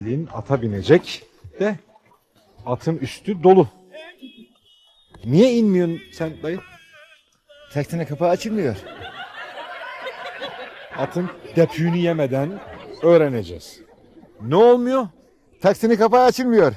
Ata binecek de atın üstü dolu. Niye inmiyorsun sen dayı? Taksinin kapağı açılmıyor. Atın depüğünü yemeden öğreneceğiz. Ne olmuyor? Taksinin kapağı açılmıyor.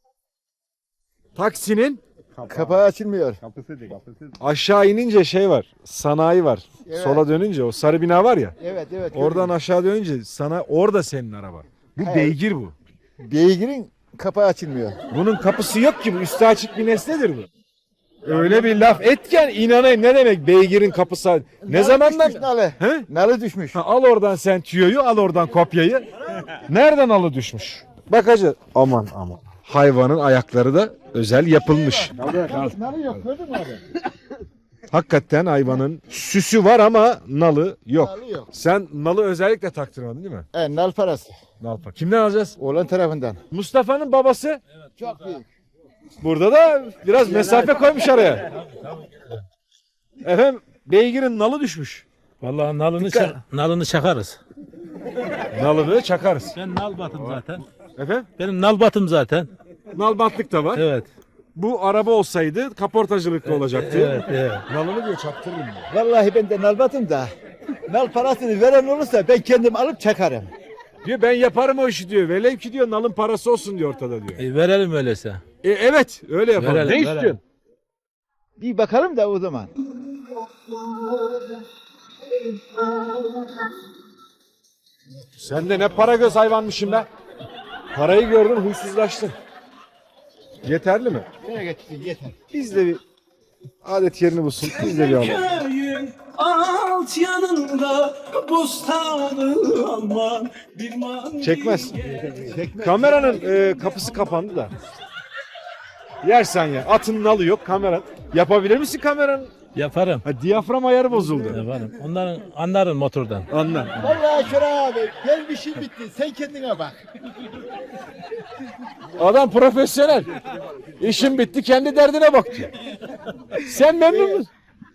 Taksinin Kapağı açılmıyor. aşağı inince şey var. Sanayi var. Evet. Sola dönünce o sarı bina var ya. Evet evet. Oradan aşağı dönünce sana orada senin araba. Bu Hayır. beygir bu. Beygirin kapağı açılmıyor. Bunun kapısı yok ki bu. Üstü açık bir nesnedir bu. Öyle bir laf etken inanayım ne demek beygirin kapısı. Ne zamandan? Düşmüş nalı. He? Nalı düşmüş. Ha, al oradan sen tüyoyu, al oradan kopyayı. Nereden alı düşmüş? Bakacağız. Aman aman. Hayvanın ayakları da özel yapılmış. Nalı yok gördün mü abi? Hakikaten hayvanın süsü var ama nalı yok. Nalı yok. Sen nalı özellikle taktırmadın değil mi? Nal parası. Nalpa. Kimden alacağız? Oğlan tarafından. Mustafa'nın babası. Çok büyük. Burada da biraz mesafe koymuş araya. Efendim beygirin nalı düşmüş. Vallahi nalını çakarız. Nalını çakarız. Ben nal batım zaten. Efendim? Benim nal batım zaten. Nal batlık da var. Evet. Bu araba olsaydı kaportacılıkta olacaktı. Evet. Nalını diyor çaktırırım diyor. Vallahi ben de nal batım da. Nal parasını veren olursa ben kendim alıp çakarım. Diyor ben yaparım o işi diyor. Velev ki diyor nalın parası olsun diyor ortada diyor. Verelim öyleyse. Evet öyle yapalım. Verelim, Ne verelim. istiyorsun? Bir bakalım da o zaman. Sen de ne para göz hayvanmışsın be. Parayı gördün huysuzlaştın. Yeterli mi? Nereye geçtin yeter. Biz de bir adet yerini bulsun. Biz de bir alalım. Köyün alt yanında bostanı aman bir man. Çekmez. Kameranın kapısı kapandı da. Yersen ya. Atın nalı yok kamera. Yapabilir misin kameranın? Yaparım. Ha, diyafram ayarı bozuldu. Yaparım. Onların anlarım motordan. Anla. Vallahi Şura abi gelmişin bitti. Sen kendine bak. Adam profesyonel. İşin bitti kendi derdine bak diyor. Sen memnun musun?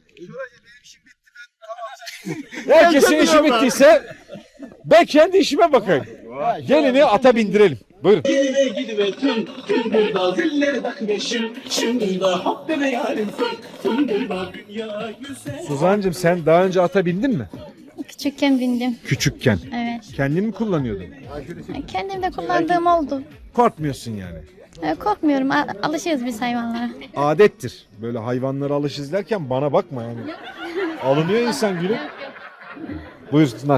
Herkesin işi bittiyse ben kendi işime bakayım. Gelini ata bindirelim. Buyurun. Gidive tüm burada zilleri takmışım. Şimdi de hop bebe yarim tüm burada dünya güzel. Suzancığım sen daha önce ata bindin mi? Küçükken bindim. Küçükken. Evet. Kendin mi kullanıyordun? Kendim de kullandığım oldu. Korkmuyorsun yani. Korkmuyorum. Alışığız biz hayvanlara. Adettir. Böyle hayvanlara alışız derken bana bakma yani. Alınıyor insan gülüm. Buyursunlar.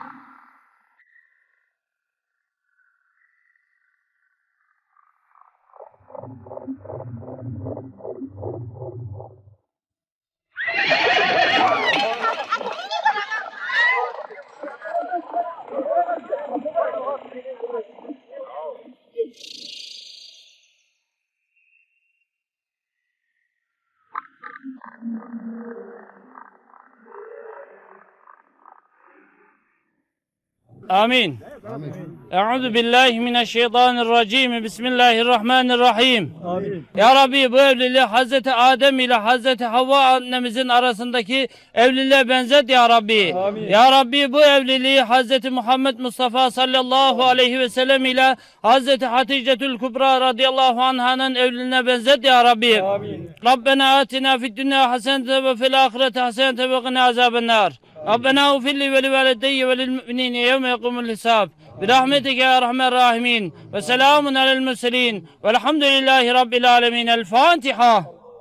آمين أعوذ بالله من الشيطان الرجيم بسم الله الرحمن الرحيم Ya Rabbi bu evliliği Hazreti Adem ile Hazreti Havva annemizin arasındaki evliliğe benzet Ya Rabbi. Ya Rabbi bu evliliği Hazreti Muhammed Mustafa sallallahu aleyhi ve sellem ile Hazreti Haticetül Kubra radıyallahu anh'ın evliliğine benzet Ya Rabbi. Rabbena atina fid dünya hasenete ve fil ahireti hasenete ve qina azabennar. ربنا اغفر لي ولوالدي وللمؤمنين يوم يقوم الحساب برحمتك يا ارحم الراحمين وسلام على المرسلين والحمد لله رب العالمين الفاتحة.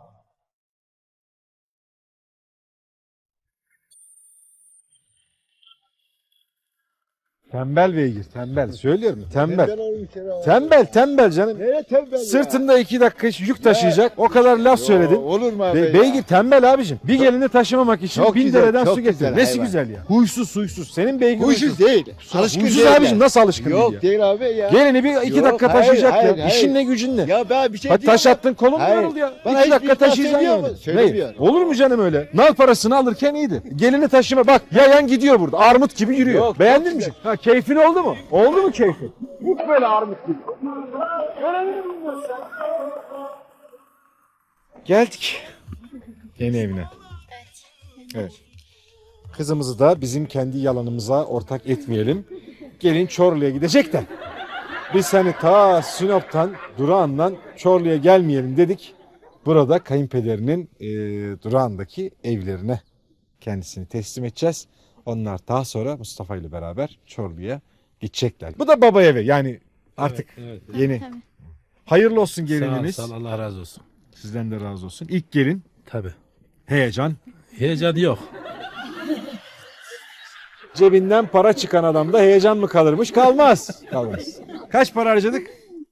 Tembel beygir, tembel. Söylüyorum, tembel. Tembel canım. Nereye tembel ya? Sırtında 2 dakika yük taşıyacak. O kadar laf söyledin. Olur mu abi ya? Beygir tembel abicim. Bir gelini taşımamak için Çok 1000 güzel, dereden çok su getir. güzel Nesi hayvan. güzel ya? Huysuz. Senin beygir Huysuz değil. Alışkın Huysuz değil abicim ya. nasıl alışkın Yok değil ya? değil abi ya. Gelini bir 2 Yok, dakika hayır, taşıyacak hayır, ya. hayır. İşin ne gücün ne? Ya ben bir şey Hadi taş diyemem. attın kolun Hayır. yoruldu ya. Bana 2 dakika hiçbir laf taşıyacaksın söylüyor yani. mu? Söylemiyor. Ne? Olur mu canım öyle? Nal parasını alırken iyiydi. Gelini taşıma bak yayan gidiyor burada. Armut gibi yürüyor. Yok, Beğendin çok mi? güzel. Ha keyfin oldu mu? Oldu mu keyfin? Hiç böyle armut gibi. Geldik. Yeni evine. Evet. Kızımızı da bizim kendi yalanımıza ortak etmeyelim. Gelin Çorlu'ya gidecek de. Biz hani ta Sinop'tan, Durağan'dan Çorlu'ya gelmeyelim dedik. Burada kayınpederinin Durağan'daki evlerine kendisini teslim edeceğiz. Onlar daha sonra Mustafa ile beraber Çorlu'ya gidecekler. Bu da baba evi yani artık Evet. yeni. Tabii. Hayırlı olsun Sağ ol, gelininiz. sağ ol, Allah razı olsun. Sizden de razı olsun. İlk gelin Tabii. heyecan. Heyecan yok. Cebinden para çıkan adamda heyecan mı kalırmış? Kalmaz. Kalmaz. Kaç para harcadık?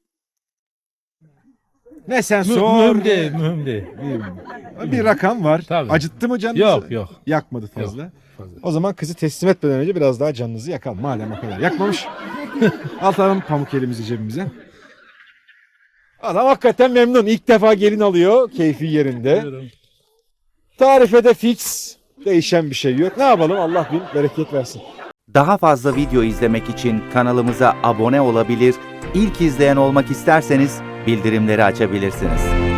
Ne sen sor. Mühim değil, mühim değil. Bir rakam var. Tabii. Acıttı mı canınızı? Yok, yok. Yakmadı fazla. fazla. O zaman kızı teslim etmeden önce biraz daha canınızı yakalım. Madem o kadar yakmamış. Atalım pamuk elimizi cebimize. Adam hakikaten memnun. İlk defa gelin alıyor. Keyfi yerinde. Buyurun. Tarife de fix. Değişen bir şey yok. Ne yapalım? Allah bin bereket versin. Daha fazla video izlemek için kanalımıza abone olabilir, ilk izleyen olmak isterseniz bildirimleri açabilirsiniz.